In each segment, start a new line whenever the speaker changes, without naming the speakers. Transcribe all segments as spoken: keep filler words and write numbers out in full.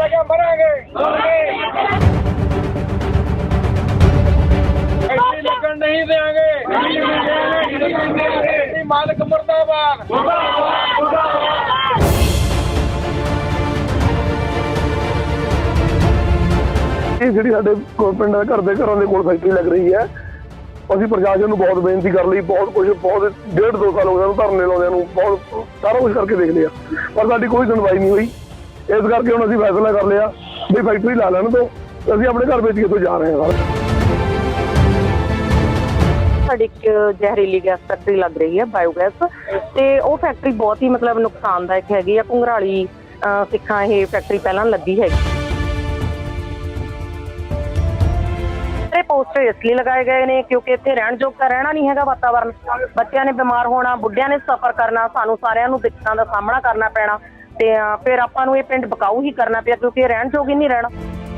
लगे मरेंगे ऐसी लगन नहीं देंगे मालिक मुर्दाबाद।
ਜਿਹੜੀ ਸਾਡੇ ਪਿੰਡ ਦੇ ਘਰ ਦੇ ਘਰਾਂ ਦੇ ਕੋਲ ਫੈਕਟਰੀ ਲੱਗ ਰਹੀ ਹੈ, ਅਸੀਂ ਪ੍ਰਸ਼ਾਸਨ ਨੂੰ ਬਹੁਤ ਬੇਨਤੀ ਕਰ ਲਈ, ਬਹੁਤ ਕੁਝ ਬਹੁਤ ਡੇਢ ਦੋ ਸਾਲ ਹੋ ਗਏ ਧਰਨੇ ਲਾਉਂਦਿਆਂ ਨੂੰ, ਬਹੁਤ ਸਾਰਾ ਕੁਝ ਕਰਕੇ ਦੇਖ ਲਿਆ ਪਰ ਸਾਡੀ ਕੋਈ ਸੁਣਵਾਈ ਨਹੀਂ ਹੋਈ। ਇਸ ਕਰਕੇ ਹੁਣ ਅਸੀਂ ਫੈਸਲਾ ਕਰ ਲਿਆ ਵੀ ਫੈਕਟਰੀ ਲਾ ਲੈਣ ਤੋਂ ਅਸੀਂ ਆਪਣੇ ਘਰ ਵੇਚ ਕੇ ਇੱਥੋਂ ਜਾ ਰਹੇ ਹਾਂ।
ਸਾਡੀ ਇੱਕ ਜ਼ਹਿਰੀਲੀ ਗੈਸ ਫੈਕਟਰੀ ਲੱਗ ਰਹੀ ਹੈ ਬਾਇਓਗੈਸ, ਤੇ ਉਹ ਫੈਕਟਰੀ ਬਹੁਤ ਹੀ ਮਤਲਬ ਨੁਕਸਾਨਦਾਇਕ ਹੈਗੀ ਆ। ਘੁੰਗਰਾਲੀ ਸਿੱਖਾਂ ਇਹ ਫੈਕਟਰੀ ਪਹਿਲਾਂ ਲੱਗੀ ਹੈਗੀ। ਇਹ ਪੋਸਟਰ ਇਸ ਲਈ ਲਗਾਏ ਗਏ ਨੇ ਕਿਉਂਕਿ ਇੱਥੇ ਰਹਿਣ ਯੋਗ ਤਾਂ ਰਹਿਣਾ ਨਹੀਂ ਹੈਗਾ ਵਾਤਾਵਰਨ। ਬੱਚਿਆਂ ਨੇ ਬਿਮਾਰ ਹੋਣਾ, ਬੁੱਢਿਆਂ ਨੇ ਸਫ਼ਰ ਕਰਨਾ, ਸਾਨੂੰ ਸਾਰਿਆਂ ਨੂੰ ਦਿੱਕਤਾਂ ਦਾ ਸਾਹਮਣਾ ਕਰਨਾ ਪੈਣਾ ਤੇ ਫਿਰ ਆਪਾਂ ਨੂੰ ਇਹ ਪਿੰਡ ਬਕਾਊ ਹੀ ਕਰਨਾ ਪਿਆ ਕਿਉਂਕਿ ਇਹ ਰਹਿਣ ਯੋਗ ਹੀ ਨਹੀਂ ਰਹਿਣਾ।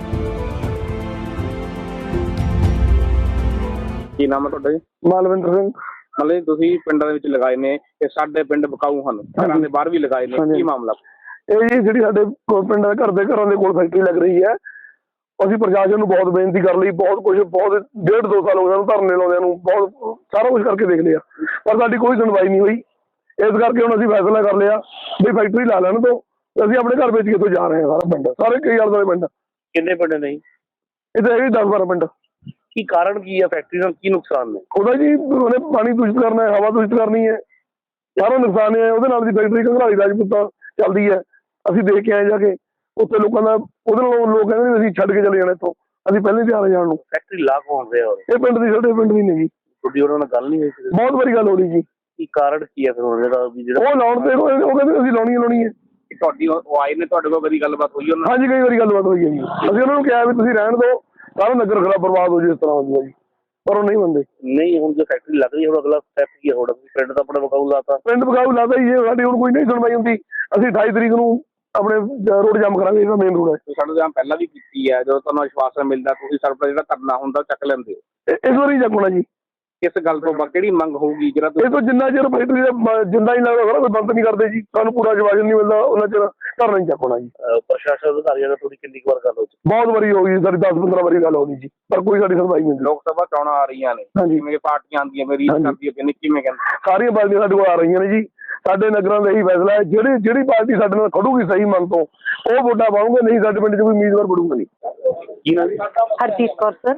ਕੀ ਨਾਮ ਹੈ ਤੁਹਾਡਾ ਜੀ?
ਮਾਲਵਿੰਦਰ ਸਿੰਘ।
ਮਤਲਬ ਤੁਸੀਂ ਪਿੰਡਾਂ ਦੇ ਵਿੱਚ ਲਗਾਏ ਨੇ ਤੇ ਸਾਡੇ ਪਿੰਡ ਬਕਾਊ ਹਨ, ਘਰਾਂ ਦੇ ਬਾਹਰ ਵੀ ਲਗਾਏ ਨੇ, ਕੀ ਮਾਮਲਾ?
ਇਹ ਜੀ ਜਿਹੜੀ ਸਾਡੇ ਪਿੰਡ ਦੇ ਘਰ ਦੇ ਘਰਾਂ ਦੇ ਕੋਲ ਫੈਕਟਰੀ ਲੱਗ ਰਹੀ ਹੈ, ਅਸੀਂ ਪ੍ਰਸ਼ਾਸਨ ਨੂੰ ਬਹੁਤ ਬੇਨਤੀ ਕਰ ਲਈ, ਬਹੁਤ ਕੁਝ ਬਹੁਤ ਡੇਢ ਦੋ ਸਾਲ ਹੋ ਗਏ ਧਰਨੇ ਲਾਉਂਦਿਆਂ ਨੂੰ, ਬਹੁਤ ਸਾਰਾ ਕੁਝ ਕਰਕੇ ਦੇਖ ਲਿਆ ਪਰ ਸਾਡੀ ਕੋਈ ਸੁਣਵਾਈ ਨਹੀਂ ਹੋਈ। ਇਸ ਕਰਕੇ ਹੁਣ ਅਸੀਂ ਫੈਸਲਾ ਕਰ ਲਿਆ ਵੀ ਫੈਕਟਰੀ ਲਾ ਲੈਣ ਤੋਂ ਅਸੀਂ ਆਪਣੇ ਘਰ ਵੇਚ ਕੇ ਇੱਥੋਂ ਜਾ ਰਹੇ ਹਾਂ। ਸਾਰਾ ਪਿੰਡ ਸਾਰੇ ਕਈ ਆਲੇ ਦੁਆਲੇ ਪਿੰਡ।
ਕਿੰਨੇ ਪਿੰਡ ਨਹੀਂ
ਇੱਥੇ ਹੈਗੇ ਦਸ ਬਾਰਾਂ ਪਿੰਡ।
ਕੀ ਕਾਰਨ ਕੀ ਹੈ? ਫੈਕਟਰੀ ਨਾਲ ਕੀ ਨੁਕਸਾਨ ਨੇ?
ਉਹਦਾ ਜੀ ਉਹਨੇ ਪਾਣੀ ਦੂਸ਼ਿਤ ਕਰਨਾ ਹੈ, ਹਵਾ ਦੂਸ਼ਿਤ ਕਰਨੀ ਹੈ, ਸਾਰਾ ਨੁਕਸਾਨ ਹੈ ਉਹਦੇ ਨਾਲ ਦੀ। ਫੈਕਟਰੀ ਘੰਗਰਾਲੀ ਰਾਜਪੂਤਾਂ ਚੱਲਦੀ ਹੈ, ਅਸੀਂ ਦੇਖ ਕੇ ਆਏ ਜਾ ਕੇ ਉੱਥੇ ਲੋਕਾਂ ਦਾ। ਉਹਦੇ ਨਾਲ ਲੋਕ ਕਹਿੰਦੇ ਅਸੀਂ ਛੱਡ ਕੇ ਚਲੇ ਜਾਣਾ ਇੱਥੋਂ, ਅਸੀਂ ਪਹਿਲੇ ਤਿਆਰ ਜਾਣ ਨੂੰ।
ਫੈਕਟਰੀ ਲਾ ਕੌਣ ਰਿਹਾ?
ਇਹ ਪਿੰਡ ਦੀ, ਸਾਡੇ ਪਿੰਡ ਦੀ ਨਹੀਂ ਜੀ।
ਤੁਹਾਡੀ ਉਹਨਾਂ ਨਾਲ ਗੱਲ ਨਹੀਂ ਹੋਈ?
ਬਹੁਤ ਵਾਰੀ ਗੱਲ ਹੋ ਰਹੀ ਜੀ।
ਕੀ ਕਾਰਨ ਕੀ ਹੈ ਫਿਰ ਉਹਨਾਂ ਦਾ ਵੀ ਜਿਹੜਾ
ਉਹ ਲਾਉਣ ਤੇ ਉਹ ਕਹਿੰਦੇ ਅਸੀਂ ਲਾਉਣੀ ਲਾਉਣੀ ਹੈ।
ਤੁਹਾਡੀ ਉਹ ਆਏ ਨੇ, ਤੁਹਾਡੇ ਕੋਲ ਕਦੀ ਗੱਲਬਾਤ ਹੋਈ ਉਹਨਾਂ?
ਹਾਂਜੀ ਕਈ ਵਾਰੀ ਗੱਲਬਾਤ ਹੋਈ ਹੈ ਜੀ। ਅਸੀਂ ਉਹਨਾਂ ਨੂੰ ਕਿਹਾ ਵੀ ਤੁਸੀਂ ਰਹਿਣ ਦਿਓ, ਸਾਰਾ ਨਗਰ ਖਰਾਬ ਬਰਬਾਦ ਹੋ ਜੇ ਇਸ ਤਰ੍ਹਾਂ ਹੁੰਦਾ ਜੀ, ਪਰ ਉਹ ਨਹੀਂ ਮੰਨਦੇ।
ਨਹੀਂ ਹੁਣ ਜੋ ਫੈਕਟਰੀ ਲੱਗ ਰਹੀ ਹੈ, ਹੁਣ ਅਗਲਾ ਸਟੈਪ ਕੀ ਹੈ? ਹੁਣ ਪਿੰਡ ਤਾਂ ਆਪਣੇ ਬਕਾਊ ਲਾਤਾ।
ਪਿੰਡ ਬਕਾਊ ਲਾਤਾ ਜੀ, ਸਾਡੀ ਹੁਣ ਕੋਈ ਨਹੀਂ ਸੁਣਵਾਈ ਹੁੰਦੀ। ਅਸੀਂ ਅਠਾਈ ਤਰੀਕ ਨੂੰ ਆਪਣੇ ਰੋਡ ਜਾਮ ਕਰਾਂਗੇ, ਇਹਦਾ ਮੇਨ ਰੋਡ ਹੈ।
ਸਾਡੇ ਜਾਮ ਪਹਿਲਾਂ ਵੀ ਕੀਤੀ ਹੈ, ਜਦੋਂ ਤੁਹਾਨੂੰ ਵਿਸ਼ਵਾਸ ਮਿਲਦਾ ਤੁਸੀਂ ਸਾਡਾ ਜਿਹੜਾ ਧਰਨਾ ਹੁੰਦਾ ਚੱਕ ਲੈਂਦੇ ਹੋ।
ਇਸ ਵਾਰੀ ਚੱਕਣਾ ਜੀ।
ਕਿਸ ਗੱਲ ਤੋਂ ਕਿਹੜੀ ਮੰਗ ਹੋਊਗੀ ਜਿਹੜਾ
ਇਹ ਤੋਂ ਜਿੰਨਾ ਚਿਰ ਫੈਕਟਰੀ ਦਾ ਜਿੰਦਾ ਨਹੀਂ ਲੱਗਦਾ ਸਾਰਾ ਕੋਈ ਬੰਦ ਨਹੀਂ ਕਰਦੇ ਜੀ, ਸਾਨੂੰ ਪੂਰਾ ਜਵਾਬ ਨਹੀਂ ਮਿਲਦਾ ਉਹਨਾਂ ਚਿਰ ਧਰਨਾ ਨਹੀਂ ਚੱਕਣਾ ਜੀ।
ਪ੍ਰਸ਼ਾਸਨ ਅਧਿਕਾਰੀਆਂ ਨਾਲ ਤੁਹਾਡੀ ਕਿੰਨੀ ਵਾਰ ਗੱਲ ਹੋ ਚੁੱਕੀ?
ਬਹੁਤ ਵਾਰੀ ਹੋ ਗਈ ਸਾਡੀ, ਦਸ ਪੰਦਰਾਂ ਵਾਰੀ ਗੱਲ ਹੋ ਗਈ ਜੀ, ਪਰ ਕੋਈ ਸਾਡੀ ਸੁਣਵਾਈ ਨਹੀਂ ਹੁੰਦੀ।
ਲੋਕ ਸਭਾ ਚੋਣਾਂ ਆ ਰਹੀਆਂ ਨੇ, ਜਿਵੇਂ ਪਾਰਟੀਆਂ ਆਉਂਦੀਆਂ ਮੇਰੀ ਕਰਦੀ ਹੈ, ਕਿਵੇਂ ਕਹਿੰਦੇ?
ਸਾਰੀਆਂ ਪਾਰਟੀਆਂ ਸਾਡੇ ਕੋਲ ਆ ਰਹੀਆਂ ਨੇ ਜੀ। ਸਾਡੇ ਨਗਰਾਂ ਦਾ ਇਹੀ ਫੈਸਲਾ ਹੈ, ਜਿਹੜੀ ਜਿਹੜੀ ਪਾਰਟੀ ਸਾਡੇ ਨਾਲ ਖੜੂਗੀ ਸਹੀ ਮਨ ਤੋਂ ਉਹ ਵੋਟਾਂ ਪਾਉਂਗੇ, ਨਹੀਂ ਸਾਡੇ ਪਿੰਡ 'ਚ ਕੋਈ ਉਮੀਦਵਾਰ ਵੜੂਗਾ ਨਹੀਂ।
ਕੀ ਨਾਮ?
ਹਰਜੀਤ ਕੌਰ ਸਰ।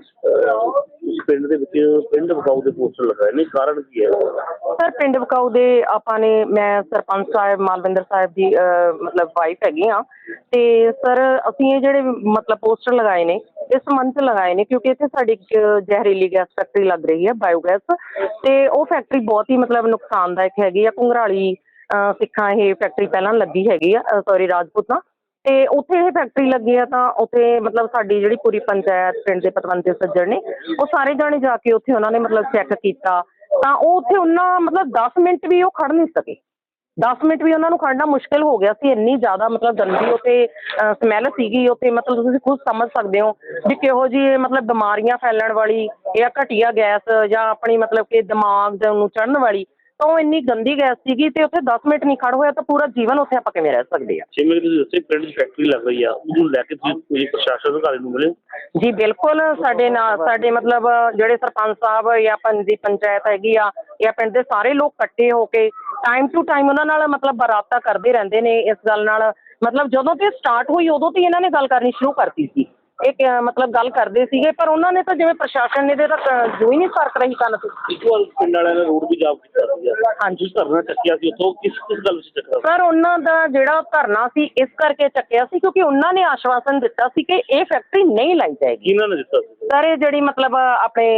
ਪਿੰਡ ਦੇ ਵਿੱਚ ਪਿੰਡ ਬਕਾਊ ਦੇ ਪੋਸਟਰ ਲਗਾਏ ਨੇ, ਕਾਰਨ ਕੀ ਹੈ?
ਸਰ ਪਿੰਡ ਬਕਾਊ ਦੇ ਆਪਾਂ ਨੇ, ਮੈਂ ਸਰਪੰਚ ਸਾਹਿਬ ਮਾਲਵਿੰਦਰ ਸਾਹਿਬ ਦੀ ਮਤਲਬ ਵਾਈਫ ਹੈਗੀ ਹਾਂ, ਤੇ ਸਰ ਅਸੀਂ ਇਹ ਜਿਹੜੇ ਮਤਲਬ ਪੋਸਟਰ ਲਗਾਏ ਨੇ ਇਸ ਸੰਬੰਧ 'ਚ ਲਗਾਏ ਨੇ ਕਿਉਂਕਿ ਇੱਥੇ ਸਾਡੀ ਇੱਕ ਜ਼ਹਿਰੀਲੀ ਗੈਸ ਫੈਕਟਰੀ ਲੱਗ ਰਹੀ ਹੈ ਬਾਇਓਗੈਸ, ਤੇ ਉਹ ਫੈਕਟਰੀ ਬਹੁਤ ਹੀ ਮਤਲਬ ਨੁਕਸਾਨਦਾਇਕ ਹੈਗੀ ਆ। ਘੁੰਗਰਾਲੀ ਸਿੱਖਾਂ ਇਹ ਫੈਕਟਰੀ ਪਹਿਲਾਂ ਲੱਗੀ ਹੈਗੀ ਆ, ਸੋਰੀ ਰਾਜਪੂਤਾਂ, ਤੇ ਉੱਥੇ ਇਹ ਫੈਕਟਰੀ ਲੱਗੀ ਆ ਤਾਂ ਉੱਥੇ ਮਤਲਬ ਸਾਡੀ ਜਿਹੜੀ ਪੂਰੀ ਪੰਚਾਇਤ ਪਿੰਡ ਦੇ ਪਤਵੰਤੇ ਸੱਜਣ ਨੇ ਉਹ ਸਾਰੇ ਜਾਣੇ ਜਾ ਕੇ ਉੱਥੇ ਉਹਨਾਂ ਨੇ ਮਤਲਬ ਚੈੱਕ ਕੀਤਾ ਤਾਂ ਉਹ ਉੱਥੇ ਉਹਨਾਂ ਮਤਲਬ ਦਸ ਮਿੰਟ ਵੀ ਉਹ ਖੜ ਨਹੀਂ ਸਕੇ। ਦਸ ਮਿੰਟ ਵੀ ਉਹਨਾਂ ਨੂੰ ਖੜਨਾ ਮੁਸ਼ਕਿਲ ਹੋ ਗਿਆ ਸੀ, ਇੰਨੀ ਜ਼ਿਆਦਾ ਮਤਲਬ ਗੰਦੀ ਉੱਥੇ ਸਮੈਲ ਸੀਗੀ ਉੱਥੇ। ਮਤਲਬ ਤੁਸੀਂ ਖੁਦ ਸਮਝ ਸਕਦੇ ਹੋ ਵੀ ਕਿਹੋ ਜਿਹੀ ਮਤਲਬ ਬਿਮਾਰੀਆਂ ਫੈਲਣ ਵਾਲੀ ਜਾਂ ਘਟੀਆ ਗੈਸ ਜਾਂ ਆਪਣੀ ਮਤਲਬ ਕਿ ਦਿਮਾਗ ਨੂੰ ਚੜ੍ਹਨ ਵਾਲੀ, ਤਾਂ ਉਹ ਇੰਨੀ ਗੰਦੀ ਗੈਸ ਸੀਗੀ ਤੇ ਉੱਥੇ ਦਸ ਮਿੰਟ ਨਹੀਂ ਖੜ ਹੋਇਆ ਤਾਂ ਪੂਰਾ ਜੀਵਨ ਉੱਥੇ ਆਪਾਂ ਕਿਵੇਂ ਰਹਿ ਸਕਦੇ ਆ।
ਜਿਵੇਂ ਤੁਸੀਂ ਦੱਸਿਆ ਪਿੰਡ ਦੀ ਫੈਕਟਰੀ ਲੱਗ ਰਹੀ ਆ, ਉਹਨੂੰ ਲੈ ਕੇ ਤੁਸੀਂ ਪ੍ਰਸ਼ਾਸਨ ਅਧਿਕਾਰੀ ਨੂੰ ਮਿਲੇ?
ਜੀ ਬਿਲਕੁਲ, ਸਾਡੇ ਨਾਲ ਸਾਡੇ ਮਤਲਬ ਜਿਹੜੇ ਸਰਪੰਚ ਸਾਹਿਬ ਜਾਂ ਪਿੰਡ ਦੀ ਪੰਚਾਇਤ ਹੈਗੀ ਆ ਜਾਂ ਪਿੰਡ ਦੇ ਸਾਰੇ ਲੋਕ ਇਕੱਠੇ ਹੋ ਕੇ ਟਾਈਮ ਟੂ ਟਾਈਮ ਉਹਨਾਂ ਨਾਲ ਮਤਲਬ ਰਾਬਤਾ ਕਰਦੇ ਰਹਿੰਦੇ ਨੇ ਇਸ ਗੱਲ ਨਾਲ। ਮਤਲਬ ਜਦੋਂ ਤੇ ਸਟਾਰਟ ਹੋਈ ਉਦੋਂ ਤੇ ਇਹਨਾਂ ਨੇ ਗੱਲ ਕਰਨੀ ਸ਼ੁਰੂ ਕਰਤੀ ਸੀ, ਇਹ ਮਤਲਬ ਗੱਲ ਕਰਦੇ ਸੀਗੇ, ਪਰ ਉਹਨਾਂ ਨੇ ਤਾਂ ਜਿਵੇਂ ਪ੍ਰਸ਼ਾਸਨ ਨੇ ਤੇ ਤਾਂ ਜੋ ਹੀ ਨਹੀਂ ਸਰਕ ਰਹੀ ਕੰਨ ਤੇ।
ਇੱਕ ਵਾਰ ਪਿੰਡ ਵਾਲਿਆਂ ਨੇ ਰੋਡ ਵੀ ਜਾਮ ਕੀਤਾ ਸੀ।
ਹਾਂਜੀ
ਧਰਨਾ ਚੱਕਿਆ ਸੀ, ਉੱਥੋਂ ਕਿਸ ਕਿਸ ਗੱਲ ਵਿੱਚ ਚੱਕਿਆ?
ਸਰ ਉਹਨਾਂ ਦਾ ਜਿਹੜਾ ਧਰਨਾ ਸੀ ਇਸ ਕਰਕੇ ਚੱਕਿਆ ਸੀ ਕਿਉਂਕਿ ਉਹਨਾਂ ਨੇ ਆਸ਼ਵਾਸਨ ਦਿੱਤਾ ਸੀ ਕਿ ਇਹ ਫੈਕਟਰੀ ਨਹੀਂ ਲਾਈ ਜਾਏਗੀ।
ਇਹਨਾਂ ਨੇ ਦਿੱਤਾ ਸੀ
ਸਰ ਇਹ ਜਿਹੜੀ ਮਤਲਬ ਆਪਣੇ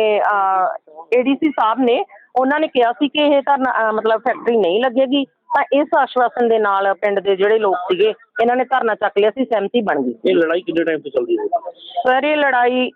ਏ ਡੀ ਸੀ ਸਾਹਿਬ ਨੇ ਉਹਨਾਂ ਨੇ ਕਿਹਾ ਸੀ ਕਿ ਇਹ ਧਰਨਾ ਮਤਲਬ ਫੈਕਟਰੀ ਨਹੀਂ ਲੱਗੇਗੀ, ਤਾਂ ਇਸ ਆਸ਼ਵਾਸਨ ਦੇ ਨਾਲ ਪਿੰਡ ਦੇ ਜਿਹੜੇ ਲੋਕ ਸੀਗੇ ਇਹਨਾਂ ਨੇ ਧਰਨਾ ਚੱਕ ਲਿਆ ਸੀ, ਸਹਿਮਤੀ ਬਣ ਗਈ।
ਇਹ ਲੜਾਈ ਕਿੰਨੇ ਟਾਈਮ ਤੋਂ ਚੱਲਦੀ ਹੈ?
ਸਰ ਇਹ ਲੜਾਈ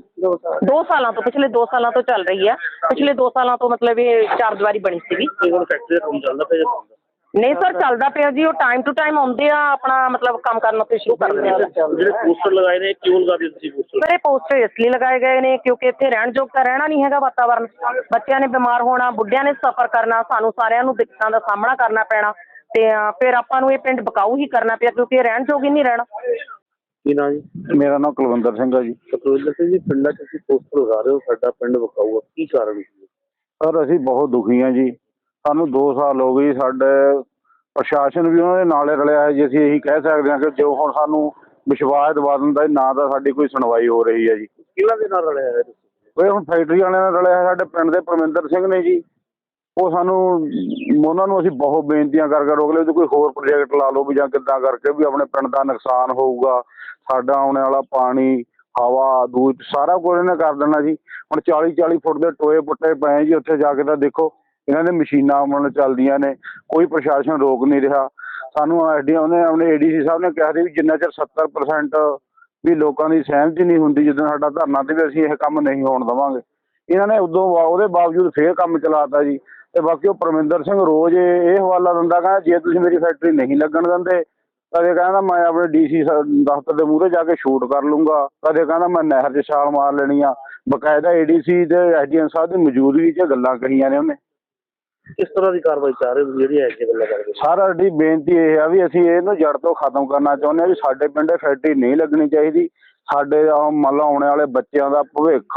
ਦੋ ਸਾਲਾਂ ਤੋਂ ਪਿਛਲੇ ਦੋ ਸਾਲਾਂ ਤੋਂ ਚੱਲ ਰਹੀ ਹੈ। ਪਿਛਲੇ ਦੋ ਸਾਲਾਂ ਤੋਂ ਮਤਲਬ ਇਹ ਚਾਰ ਦੀਵਾਰੀ ਬਣੀ ਸੀਗੀ।
ਹੁਣ ਫੈਕਟਰੀ ਦਾ ਕੰਮ ਚੱਲਦਾ ਪਿਆ?
ਨਹੀਂ ਸਰ ਚੱਲਦਾ ਪਿਆ ਜੀ, ਉਹ ਟਾਈਮ ਟੂ ਟਾਈਮ ਆਉਂਦੇ ਆ ਆਪਣਾ ਮਤਲਬ ਕੰਮ ਕਰਨਾ ਤੇ ਸ਼ੁਰੂ ਕਰ ਦਿੰਦੇ ਆ।
ਜਿਹੜੇ ਪੋਸਟਰ ਲਗਾਏ ਨੇ ਕਿਉਂ ਲਗਾਏ ਤੁਸੀਂ ਪੋਸਟਰ?
ਸਰ ਇਹ ਪੋਸਟਰ ਇਸ ਲਈ ਲਗਾਏ ਗਏ ਨੇ ਕਿਉਂਕਿ ਇੱਥੇ ਰਹਿਣ ਯੋਗ ਤਾਂ ਰਹਿਣਾ ਨਹੀਂ ਹੈਗਾ ਵਾਤਾਵਰਨ। ਬੱਚਿਆਂ ਨੇ ਬਿਮਾਰ ਹੋਣਾ, ਬੁੱਢਿਆਂ ਨੇ ਸਫ਼ਰ ਕਰਨਾ, ਸਾਨੂੰ ਸਾਰਿਆਂ ਨੂੰ ਦਿੱਕਤਾਂ ਦਾ ਸਾਹਮਣਾ ਕਰਨਾ ਪੈਣਾ ਤੇ ਫਿਰ ਆਪਾਂ ਨੂੰ ਇਹ ਪਿੰਡ ਬਕਾਊ ਹੀ ਕਰਨਾ ਪਿਆ ਕਿਉਂਕਿ ਇਹ ਰਹਿਣ ਯੋਗ ਹੀ ਨਹੀਂ ਰਹਿਣਾ।
ਕੀ ਨਾਂ ਜੀ?
ਮੇਰਾ ਨਾਮ ਕੁਲਵਿੰਦਰ ਸਿੰਘ ਹੈ ਜੀ।
ਕੁਲਵਿੰਦਰ ਸਿੰਘ ਜੀ, ਪਿੰਡਾਂ 'ਚ ਤੁਸੀਂ ਪੋਸਟਰ ਲਗਾ ਰਹੇ ਹੋ ਸਾਡਾ ਪਿੰਡ ਵਿਕਾਊ ਆ, ਕੀ ਕਾਰਨ ਸੀ?
ਸਰ ਅਸੀਂ ਬਹੁਤ ਦੁਖੀ ਹਾਂ ਜੀ। ਸਾਨੂੰ ਦੋ ਸਾਲ ਹੋ ਗਏ ਜੀ। ਸਾਡੇ ਪ੍ਰਸ਼ਾਸਨ ਵੀ ਉਹਨਾਂ ਦੇ ਨਾਲੇ ਰਲਿਆ ਹੈ ਜੀ। ਅਸੀਂ ਇਹੀ ਕਹਿ ਸਕਦੇ ਹਾਂ ਕਿ ਜੋ ਹੁਣ ਸਾਨੂੰ ਵਿਸ਼ਵਾਸ ਦਿਵਾ ਦਿੰਦਾ ਨਾ ਤਾਂ ਸਾਡੀ ਕੋਈ ਸੁਣਵਾਈ ਹੋ ਰਹੀ ਹੈ ਜੀ।
ਕਿਹਨਾਂ ਦੇ ਨਾਲ ਰਲਿਆ ਹੈ?
ਉਹ ਹੁਣ ਫੈਕਟਰੀ ਵਾਲਿਆਂ ਨਾਲ ਰਲਿਆ ਹੈ ਸਾਡੇ ਪਿੰਡ ਦੇ ਪਰਮਿੰਦਰ ਸਿੰਘ ਨੇ ਜੀ। ਉਹ ਸਾਨੂੰ ਉਹਨਾਂ ਨੂੰ ਅਸੀਂ ਬਹੁਤ ਬੇਨਤੀਆਂ ਕਰਕੇ ਰੋਕ ਲਿਆ ਵੀ ਕੋਈ ਹੋਰ ਪ੍ਰੋਜੈਕਟ ਲਾ ਲਓ ਵੀ ਜਾਂ ਕਿੱਦਾਂ ਕਰਕੇ ਵੀ ਆਪਣੇ ਪਿੰਡ ਦਾ ਨੁਕਸਾਨ ਹੋਊਗਾ। ਸਾਡਾ ਆਉਣ ਵਾਲਾ ਪਾਣੀ, ਹਵਾ, ਦੂਧ ਸਾਰਾ ਕੁਝ ਇਹਨੇ ਕਰ ਦੇਣਾ ਜੀ। ਹੁਣ ਚਾਲੀ ਚਾਲੀ ਫੁੱਟ ਦੇ ਟੋਏ ਪੁੱਟੇ ਪਏ ਜੀ। ਉੱਥੇ ਜਾ ਕੇ ਤਾਂ ਦੇਖੋ ਇਹਨਾਂ ਦੇ ਮਸ਼ੀਨਾਂ ਮਨ ਚੱਲਦੀਆਂ ਨੇ, ਕੋਈ ਪ੍ਰਸ਼ਾਸਨ ਰੋਕ ਨਹੀਂ ਰਿਹਾ ਸਾਨੂੰ। ਐਸ ਡੀ ਉਹਨੇ ਆਪਣੇ ਏ ਡੀ ਸੀ ਸਾਹਿਬ ਨੇ ਕਿਹਾ ਸੀ ਵੀ ਜਿੰਨਾ ਚਿਰ ਸੱਤਰ ਪਰਸੈਂਟ ਵੀ ਲੋਕਾਂ ਦੀ ਸਹਿਮਤੀ ਨਹੀਂ ਹੁੰਦੀ ਜਦੋਂ ਸਾਡਾ ਧਰਨਾ ਤੇ ਵੀ ਅਸੀਂ ਇਹ ਕੰਮ ਨਹੀਂ ਹੋਣ ਦੇਵਾਂਗੇ। ਇਹਨਾਂ ਨੇ ਉਦੋਂ ਉਹਦੇ ਬਾਵਜੂਦ ਫੇਰ ਕੰਮ ਚਲਾਤਾ ਜੀ। ਤੇ ਬਾਕੀ ਉਹ ਪਰਮਿੰਦਰ ਸਿੰਘ ਰੋਜ਼ ਇਹ ਹਵਾਲਾ ਦਿੰਦਾ, ਕਹਿੰਦਾ ਜੇ ਤੁਸੀਂ ਮੇਰੀ ਫੈਕਟਰੀ ਨਹੀਂ ਲੱਗਣ ਦਿੰਦੇ, ਕਦੇ ਕਹਿੰਦਾ ਮੈਂ ਆਪਣੇ ਡੀ ਸੀ ਦਫ਼ਤਰ ਦੇ ਮੂਹਰੇ ਜਾ ਕੇ ਸ਼ੂਟ ਕਰ ਲੂੰਗਾ, ਕਦੇ ਕਹਿੰਦਾ ਮੈਂ ਨਹਿਰ 'ਚ ਛਾਲ ਮਾਰ ਲੈਣੀ ਆ। ਬਕਾਇਦਾ ਏ ਡੀ ਸੀ ਤੇ ਐਸ ਡੀ ਐਮ ਸਾਹਿਬ ਦੀ ਮੌਜੂਦਗੀ 'ਚ ਗੱਲਾਂ ਕਹੀਆਂ ਨੇ ਉਹਨੇ।
ਕਿਸ ਤਰ੍ਹਾਂ ਦੀ ਕਾਰਵਾਈ ਚਾਹ ਰਹੇ ਹੋ ਜਿਹੜੀ ਐ ਜੀ ਗੱਲਾਂ ਕਰਦੇ?
ਸਰ ਸਾਡੀ ਬੇਨਤੀ ਇਹ ਆ ਵੀ ਅਸੀਂ ਇਹਨੂੰ ਜੜ ਤੋਂ ਖਤਮ ਕਰਨਾ ਚਾਹੁੰਦੇ ਹਾਂ ਵੀ ਸਾਡੇ ਪਿੰਡ ਫੈਕਟਰੀ ਨਹੀਂ ਲੱਗਣੀ ਚਾਹੀਦੀ। ਸਾਡੇ ਮੰਨ ਲਓ ਆਉਣ ਵਾਲੇ ਬੱਚਿਆਂ ਦਾ ਭਵਿੱਖ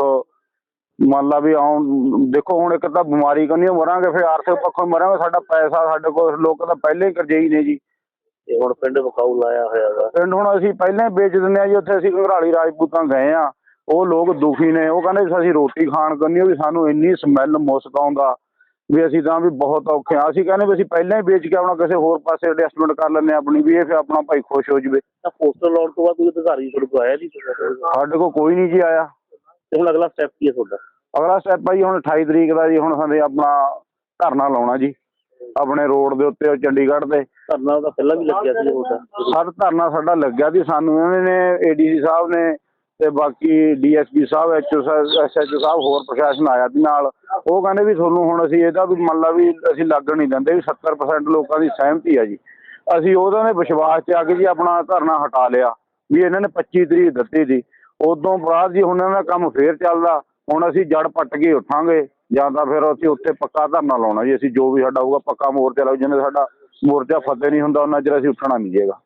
ਮੰਨ ਲਾ ਵੀ ਆਉਣ ਦੇਖੋ ਹੁਣ ਇੱਕ ਤਾਂ ਬਿਮਾਰੀ ਕੰਨੀ ਮਰਾਂਗੇ, ਫਿਰ ਆਰਥਿਕ ਪੱਖੋਂ ਮਰਾਂਗੇ। ਸਾਡਾ ਪੈਸਾ ਸਾਡੇ ਕੋਲ ਲੋਕ ਤਾਂ ਪਹਿਲਾਂ ਹੀ ਕਰਜ਼ਈ ਨੇ ਜੀ।
ਤੇ ਹੁਣ ਪਿੰਡ ਵਿਕਾਊ ਲਾਇਆ ਹੋਇਆ ਵਾ।
ਪਿੰਡ ਹੁਣ ਅਸੀਂ ਪਹਿਲਾਂ ਹੀ ਵੇਚ ਦਿੰਦੇ ਹਾਂ ਜੀ। ਉੱਥੇ ਅਸੀਂ ਘੰਗਰਾਲੀ ਰਾਜਪੂਤਾਂ ਗਏ ਆ, ਉਹ ਲੋਕ ਦੁਖੀ ਨੇ। ਉਹ ਕਹਿੰਦੇ ਅਸੀਂ ਰੋਟੀ ਖਾਣ ਕਰਨੀ ਵੀ ਸਾਨੂੰ ਇੰਨੀ ਸਮੈਲ ਮੁਸਕ ਆਉਂਦਾ ਵੀ ਅਸੀਂ ਤਾਂ ਵੀ ਬਹੁਤ ਔਖੇ ਆ। ਅਸੀਂ ਕਹਿੰਦੇ ਵੀ ਅਸੀਂ ਪਹਿਲਾਂ ਹੀ ਵੇਚ ਕੇ ਆਪਣਾ ਕਿਸੇ ਹੋਰ ਪਾਸੇ ਐਡਜਸਟਮੈਂਟ ਕਰ ਲੈਂਦੇ ਹਾਂ ਆਪਣੀ, ਵੀ ਇਹ ਫਿਰ ਆਪਣਾ ਭਾਈ ਖੁਸ਼ ਹੋ ਜਾਵੇ।
ਤਾਂ ਪੋਸਟਰ ਲਾਉਣ ਤੋਂ ਬਾਅਦ ਕੋਈ ਅਧਿਕਾਰੀ ਤੁਹਾਡੇ ਕੋਲ ਆਇਆ ਜੀ?
ਸਾਡੇ ਕੋਲ ਕੋਈ ਨਹੀਂ ਜੀ ਆਇਆ।
ਤੇ ਹੁਣ ਅਗਲਾ ਸਟੈਪ ਕੀ ਹੈ ਤੁਹਾਡਾ?
ਅਗਲਾ ਸਟੈਪ ਆ ਜੀ ਹੁਣ ਅਠਾਈ ਤਰੀਕ ਦਾ ਜੀ। ਹੁਣ ਸਾਡੇ ਆਪਣਾ ਧਰਨਾ ਲਾਉਣਾ ਜੀ ਆਪਣੇ ਰੋਡ ਦੇ ਉੱਤੇ, ਉਹ ਚੰਡੀਗੜ੍ਹ ਦੇ।
ਧਰਨਾ ਤਾਂ ਪਹਿਲਾਂ ਵੀ ਲੱਗਿਆ ਸੀ ਤੁਹਾਡਾ?
ਸਰ ਧਰਨਾ ਸਾਡਾ ਲੱਗਿਆ ਸੀ। ਸਾਨੂੰ ਇਹਨਾਂ ਨੇ ਏ ਡੀ ਸੀ ਸਾਹਿਬ ਨੇ ਤੇ ਬਾਕੀ D S P sahib, H O S H O sahib, ਹੋਰ ਪ੍ਰਸ਼ਾਸਨ ਆਇਆ ਸੀ ਨਾਲ। ਉਹ ਕਹਿੰਦੇ ਵੀ ਤੁਹਾਨੂੰ ਹੁਣ ਅਸੀਂ ਇਹਦਾ ਵੀ ਮੰਨ ਲਾ ਵੀ ਅਸੀਂ ਲੱਗਣ ਨਹੀਂ ਦਿੰਦੇ ਵੀ ਸੱਤਰ ਪਰਸੈਂਟ ਲੋਕਾਂ ਦੀ ਸਹਿਮਤੀ ਆ ਜੀ। ਅਸੀਂ ਉਹਨਾਂ ਦੇ ਵਿਸ਼ਵਾਸ 'ਚ ਆ ਕੇ ਜੀ ਆਪਣਾ ਧਰਨਾ ਹਟਾ ਲਿਆ ਵੀ ਇਹਨਾਂ ਨੇ ਪੱਚੀ ਤਰੀਕ ਦਿੱਤੀ ਸੀ। ਉਦੋਂ ਬਾਅਦ ਜੀ ਹੁਣ ਇਹਨਾਂ ਦਾ ਕੰਮ ਫੇਰ ਚੱਲਦਾ। ਹੁਣ ਅਸੀਂ ਜੜ ਪੱਟ ਕੇ ਉੱਠਾਂਗੇ ਜਾਂ ਤਾਂ ਫਿਰ ਅਸੀਂ ਉੱਥੇ ਪੱਕਾ ਧਰਨਾ ਲਾਉਣਾ ਜੀ। ਅਸੀਂ ਜੋ ਵੀ ਸਾਡਾ ਹੋਊਗਾ ਪੱਕਾ ਮੋਰਚਾ ਲਾਉ। ਜਿੰਨੇ ਸਾਡਾ ਮੋਰਚਾ ਫਤਿਹ ਨਹੀਂ ਹੁੰਦਾ ਉਹਨਾਂ ਚਿਰ ਅਸੀਂ ਉੱਠਣਾ ਨਹੀਂ ਜੇਗਾ।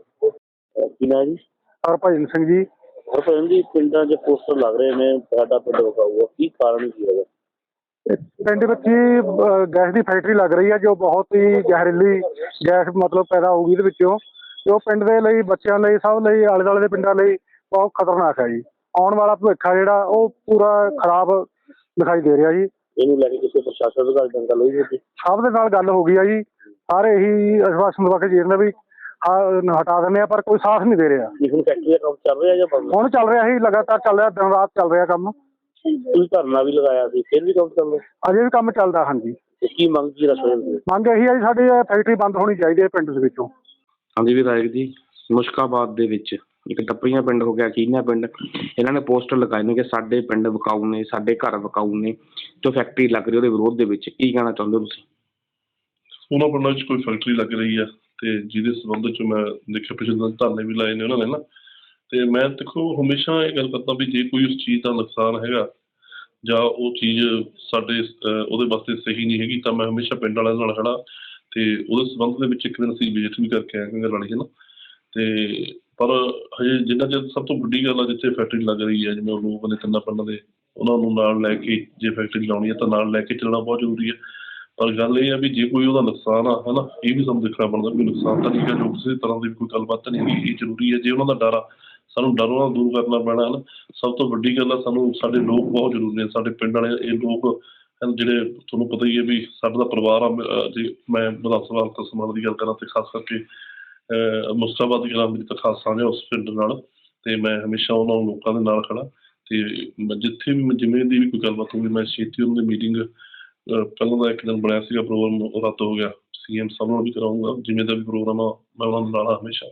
ਕੀ ਨਾਂ ਜੀ?
ਹਰਭਜਨ ਸਿੰਘ ਜੀ।
ਹਰਭਜਨ ਜੀ, ਪਿੰਡਾਂ 'ਚ ਪੋਸਟਰ ਲੱਗ ਰਹੇ ਨੇ ਸਾਡਾ ਪਿੰਡ ਵਿਕਾਊ ਆ, ਕੀ ਕਾਰਨ ਕੀ ਹੈਗਾ?
ਪਿੰਡ ਵਿੱਚ ਹੀ ਗੈਸ ਦੀ ਫੈਕਟਰੀ ਲੱਗ ਰਹੀ ਹੈ ਜੋ ਬਹੁਤ ਹੀ ਜ਼ਹਿਰੀਲੀ ਗੈਸ ਮਤਲਬ ਪੈਦਾ ਹੋਊਗੀ ਇਹਦੇ ਵਿੱਚੋਂ। ਜੋ ਪਿੰਡ ਦੇ ਲਈ, ਬੱਚਿਆਂ ਲਈ, ਸਭ ਲਈ, ਆਲੇ ਦੁਆਲੇ ਦੇ ਪਿੰਡਾਂ ਲਈ ਬਹੁਤ ਖਤਰਨਾਕ ਹੈ ਜੀ। ਆਉਣ ਵਾਲਾ ਭਵਿੱਖ ਆ ਜਿਹੜਾ ਉਹ ਪੂਰਾ ਖਰਾਬ ਦਿਖਾਈ ਦੇ ਰਿਹਾ ਜੀ।
ਇਹਨੂੰ ਲੈ ਕੇ ਕਿਸੇ ਪ੍ਰਸ਼ਾਸਨ ਅਧਿਕਾਰੀ ਨਾਲ ਗੱਲ ਹੋਈ ਸੀ?
ਸਭ ਦੇ ਨਾਲ ਗੱਲ ਹੋ ਗਈ ਆ ਜੀ। ਸਾਰੇ ਇਹੀ ਆਸ਼ਵਾਸਨ ਦਵਾ ਕੇ ਜੀ ਰਹੇ ਵੀ ਹਾਂ ਹਟਾ ਦਿੰਦੇ ਆ, ਪਰ ਕੋਈ ਸਾਥ ਨਹੀਂ ਦੇ ਰਿਹਾ।
ਹੁਣ ਫੈਕਟਰੀ ਦਾ ਕੰਮ ਚੱਲ ਰਿਹਾ ਜਾਂ ਬੰਦ?
ਹੁਣ ਚੱਲ ਰਿਹਾ ਹੀ, ਲਗਾਤਾਰ ਚੱਲ ਰਿਹਾ, ਦਿਨ ਰਾਤ ਚੱਲ ਰਿਹਾ ਕੰਮ।
ਤੁਸੀਂ ਧਰਨਾ ਵੀ ਲਗਾਇਆ ਸੀ, ਫਿਰ ਵੀ ਕੰਮ ਚੱਲ ਰਿਹਾ?
ਅਜੇ ਵੀ ਕੰਮ ਚੱਲਦਾ। ਹਾਂਜੀ।
ਕੀ ਮੰਗ ਕੀ ਰੱਖਦੇ ਹੋ?
ਮੰਗ ਇਹੀ ਹੈ ਜੀ ਸਾਡੀ ਫੈਕਟਰੀ ਬੰਦ ਹੋਣੀ ਚਾਹੀਦੀ ਹੈ ਪਿੰਡ ਦੇ ਵਿੱਚੋਂ।
ਹਾਂਜੀ ਵਿਧਾਇਕ ਜੀ, ਮੁਸ਼ਕਾਬਾਦ ਦੇ ਵਿੱਚ ਇੱਕ ਟੱਪਰੀਆਂ ਪਿੰਡ ਹੋ ਗਿਆ, ਕੀਨਾ ਪਿੰਡ, ਇਹਨਾਂ ਨੇ ਪੋਸਟਰ ਲਗਾਏ ਨੇ ਕਿ ਸਾਡੇ ਪਿੰਡ ਵਿਕਾਊ ਨੇ, ਸਾਡੇ ਘਰ ਵਿਕਾਊ ਨੇ, ਜੋ ਫੈਕਟਰੀ ਲੱਗ ਰਹੀ ਉਹਦੇ ਵਿਰੋਧ ਦੇ ਵਿੱਚ। ਕੀ ਕਹਿਣਾ ਚਾਹੁੰਦੇ ਹੋ ਤੁਸੀਂ?
ਉਹਨਾਂ ਪਿੰਡਾਂ 'ਚ ਕੋਈ ਫੈਕਟਰੀ ਲੱਗ ਰਹੀ ਹੈ ਤੇ ਜਿਹਦੇ ਸੰਬੰਧ 'ਚ ਮੈਂ ਦੇਖਿਆ ਪਿਛਲੇ ਦਿਨ ਧਰਨੇ ਵੀ ਲਾਏ ਨੇ ਉਹਨਾਂ ਨੇ ਨਾ। ਤੇ ਮੈਂ ਦੇਖੋ ਹਮੇਸ਼ਾ ਇਹ ਗੱਲ ਕਰਦਾ ਵੀ ਜੇ ਕੋਈ ਉਸ ਚੀਜ਼ ਦਾ ਨੁਕਸਾਨ ਹੈਗਾ ਜਾਂ ਉਹ ਚੀਜ਼ ਸਾਡੇ ਉਹਦੇ ਵਾਸਤੇ ਸਹੀ ਨਹੀਂ ਹੈਗੀ ਤਾਂ ਮੈਂ ਹਮੇਸ਼ਾ ਪਿੰਡ ਵਾਲਿਆਂ ਨਾਲ ਖੜਾ। ਤੇ ਉਹਦੇ ਸੰਬੰਧ ਦੇ ਵਿੱਚ ਇੱਕ ਦਿਨ ਅਸੀਂ ਵਿਜ਼ਿਟ ਵੀ ਕਰਕੇ ਆਏ ਘੰਗਰਾਲੀ ਹੈ ਨਾ। ਤੇ ਪਰ ਹਜੇ ਜਿੰਨਾ ਚਿਰ ਸਭ ਤੋਂ ਵੱਡੀ ਗੱਲ ਆ ਜਿੱਥੇ ਫੈਕਟਰੀ ਲੱਗ ਰਹੀ ਹੈ, ਜਿਵੇਂ ਉਹ ਲੋਕ ਨੇ ਤਿੰਨਾਂ ਪਿੰਡਾਂ ਦੇ, ਉਹਨਾਂ ਨੂੰ ਨਾਲ ਲੈ ਕੇ ਜੇ ਫੈਕਟਰੀ ਲਾਉਣੀ ਹੈ ਤਾਂ ਨਾਲ ਲੈ ਕੇ ਚੱਲਣਾ ਬਹੁਤ ਜ਼ਰੂਰੀ ਹੈ। ਪਰ ਗੱਲ ਇਹ ਆ ਵੀ ਜੇ ਕੋਈ ਉਹਦਾ ਨੁਕਸਾਨ ਆ ਹੈ ਨਾ, ਇਹ ਵੀ ਸਾਨੂੰ ਦੇਖਣਾ ਬਣਦਾ ਵੀ ਨੁਕਸਾਨ ਤਾਂ ਠੀਕ ਹੈ, ਜੋ ਕਿਸੇ ਤਰ੍ਹਾਂ ਦੀ ਕੋਈ ਗੱਲਬਾਤ ਨਹੀਂ ਹੈਗੀ। ਇਹ ਜ਼ਰੂਰੀ ਹੈ ਜੇ ਉਹਨਾਂ ਦਾ ਡਰ ਆ, ਸਾਨੂੰ ਡਰ ਉਹਨਾਂ ਨੂੰ ਦੂਰ ਕਰਨਾ ਪੈਣਾ ਹੈ ਨਾ। ਸਭ ਤੋਂ ਵੱਡੀ ਗੱਲ ਆ ਸਾਨੂੰ ਸਾਡੇ ਲੋਕ ਬਹੁਤ ਜ਼ਰੂਰੀ ਨੇ, ਸਾਡੇ ਪਿੰਡ ਵਾਲੇ। ਇਹ ਲੋਕ ਜਿਹੜੇ ਤੁਹਾਨੂੰ ਪਤਾ ਹੀ ਹੈ ਵੀ ਸਾਡਾ ਦਾ ਪਰਿਵਾਰ ਆ। ਜੇ ਮੈਂ ਵਿਧਾਨ ਸਭਾ ਹਲਕਾ ਸਮਾਣਾ ਦੀ ਗੱਲ ਕਰਾਂ ਤੇ ਖਾਸ ਕਰਕੇ ਮੁਸਤਾਬਾਦ ਦੀ ਗੱਲ ਮੇਰੀ ਤਾਂ ਖਾਸ ਸਾਂਝ ਉਸ ਪਿੰਡ ਨਾਲ। ਤੇ ਮੈਂ ਹਮੇਸ਼ਾ ਉਹਨਾਂ ਲੋਕਾਂ ਦੇ ਨਾਲ ਖੜਾ। ਤੇ ਜਿੱਥੇ ਵੀ ਜਿਵੇਂ ਦੀ ਵੀ ਕੋਈ ਗੱਲਬਾਤ ਹੋਊਗੀ ਮੈਂ ਛੇਤੀ ਉਹਨਾਂ ਦੀ ਮੀਟਿੰਗ, ਪਹਿਲਾਂ ਦਾ ਇੱਕ ਦਿਨ ਬਣਿਆ ਸੀਗਾ ਪ੍ਰੋਗਰਾਮ, ਉਹ ਰੱਦ ਹੋ ਗਿਆ। ਸੀ ਐਮ ਸਾਹਿਬ ਨਾਲ ਵੀ ਕਰਾਊਂਗਾ, ਜਿਵੇਂ ਦਾ ਵੀ ਪ੍ਰੋਗਰਾਮ ਆ ਮੈਂ ਉਹਨਾਂ ਨੂੰ ਨਾਲ ਹਮੇਸ਼ਾ।